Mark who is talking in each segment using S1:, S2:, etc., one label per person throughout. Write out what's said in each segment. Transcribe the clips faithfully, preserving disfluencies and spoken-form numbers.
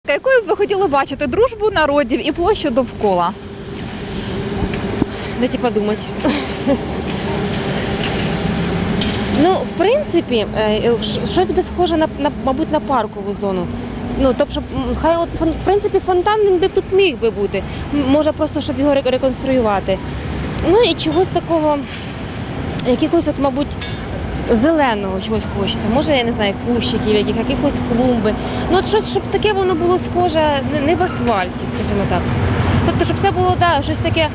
S1: Якою б ви хотіли бачити дружбу народів і площу довкола?
S2: Дайте подумать. Ну, в принципі, е, ш- щось би схоже на, на, мабуть, на паркову зону. Ну, тобто, щоб, м, хай от, фон- в принципі, фонтан він би тут міг би бути. М, Може просто, щоб його ре- реконструювати. Ну і чогось такого, якихось, от, мабуть, зеленого чогось хочеться. Може, я не знаю, кущиків, яких, якихось клумби. Ну, от щось, щоб таке воно було схоже не, не в асфальті, скажімо так. Тобто, щоб це було, да, щось таке.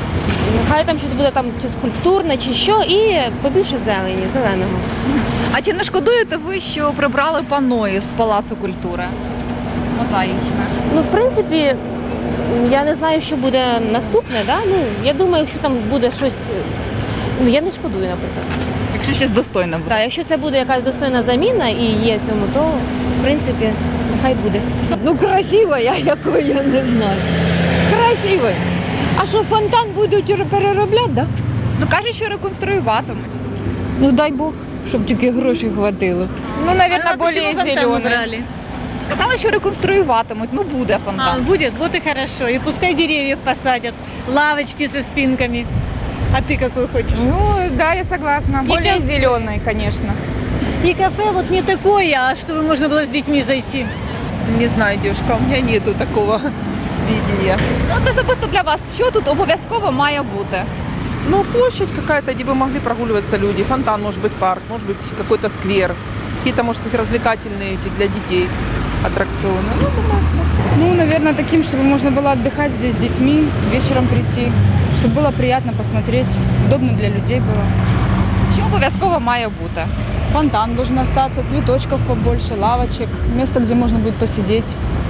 S2: Хай там щось буде там чи скульптурне, чи що, і побільше зелені, зеленого.
S1: А чи не шкодуєте ви, що прибрали пано із Палацу культури? Мозаїчне.
S2: Ну, в принципі, м, я не знаю, що буде наступне, да? Ну, я думаю, якщо там буде щось, ну, я не шкодую, наприклад.
S1: Якщо щось достойне буде.
S2: Так, якщо це буде якась достойна заміна і є цьому, то, в принципі, нехай буде.
S3: Ну, красиво, я якої я не знаю. Красиво. А що, фонтан будуть переробляти, да?
S1: Ну кажуть, що реконструюватимуть.
S3: Ну дай Бог, щоб тільки грошей хватило.
S4: Ну, наверное, более зеленый.
S1: Казали, що реконструюватимуть. Ну буде
S4: А,
S1: фонтан.
S4: будет, вот и хорошо. И пускай деревьев посадят, лавочки со спинками. А ты какой хочешь?
S5: Ну, да, я согласна.
S4: И
S5: Более
S4: кафе.
S5: зеленый, конечно.
S4: И кафе вот не такое, а чтобы можно было с детьми зайти.
S6: Не знаю, девушка, у меня нету такого видения.
S1: Ну, от особисто для вас, що тут обов'язково має бути?
S6: Ну, площадь какая-то, где бы могли прогуливаться люди. Фонтан, может быть, парк, может быть, какой-то сквер. Какие-то, может быть, развлекательные эти для детей аттракционы. Ну, думаю, все.
S5: Ну, наверное, таким, чтобы можно было отдыхать здесь с детьми, вечером прийти, чтобы было приятно посмотреть, удобно для людей было.
S1: Що обов'язково має бути?
S5: Фонтан должен остаться, цветочков побольше, лавочек, место, где можно будет посидеть.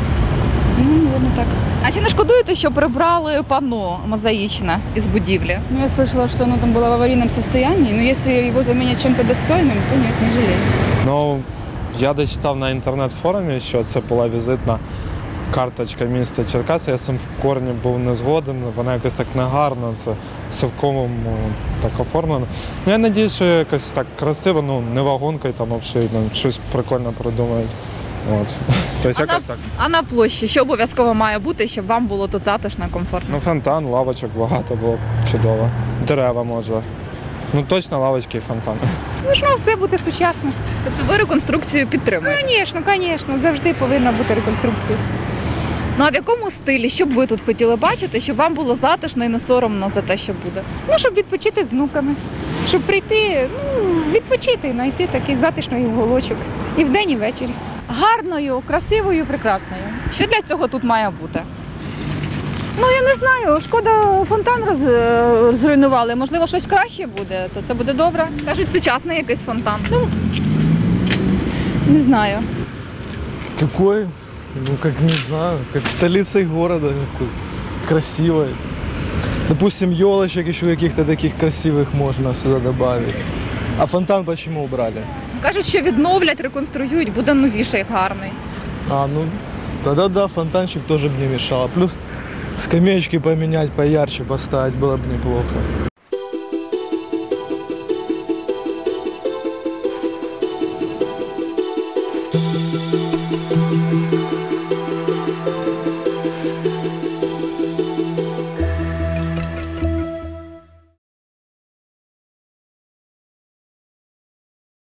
S5: Ну, наверное, так.
S1: А чи не шкодуєте, що прибрали пано мозаїчне із будівлі?
S5: Ну, я слышала, что оно там было в аварийном состоянии, но если его заменят чем-то достойным, то нет, не жалею.
S7: Ну, я дочитав на інтернет-форумі, що це була візитна карточка міста Черкаси. Я цим в корні був не згоден, вона якось так негарно, це совковому так оформлено. Ну, я сподіваюся, що якось так красиво, ну, не вагонкою там обшиють, ну, щось прикольно придумають. От. Тобто
S1: А на,
S7: якось так.
S1: а на площі, що обов'язково має бути, щоб вам було тут затишно і комфортно?
S7: Ну, фонтан, лавочок багато було б чудово. Дерева може. Ну, точно лавочки і фонтан.
S5: Должно все бути сучасно.
S1: Тобто ви реконструкцію підтримуєте?
S5: Звісно, звісно, завжди повинна бути реконструкція.
S1: Ну а в якому стилі, що б ви тут хотіли бачити, щоб вам було затишно і не соромно за те, що буде?
S5: Ну, щоб відпочити з внуками, щоб прийти, ну, відпочити, знайти такий затишний уголочок. І вдень, і ввечері.
S3: Гарною, красивою, прекрасною.
S1: Що для цього тут має бути?
S3: Ну, я не знаю, шкода, фонтан роз, е, зруйнували. Можливо, щось краще буде, то це буде добре.
S1: Кажуть, сучасний якийсь фонтан.
S3: Не знаю.
S8: Какой? Ну, как не знаю, как столицей города какой. Красивой. Допустим, елочек еще каких-то таких красивых можно сюда добавить. А фонтан почему убрали?
S1: Кажуть, що відновлять, реконструюють, буде новіший, гарний.
S8: А, ну, тогда да, фонтанчик тоже бы не мешало. Плюс скамеечки поменять, поярче поставить было бы неплохо.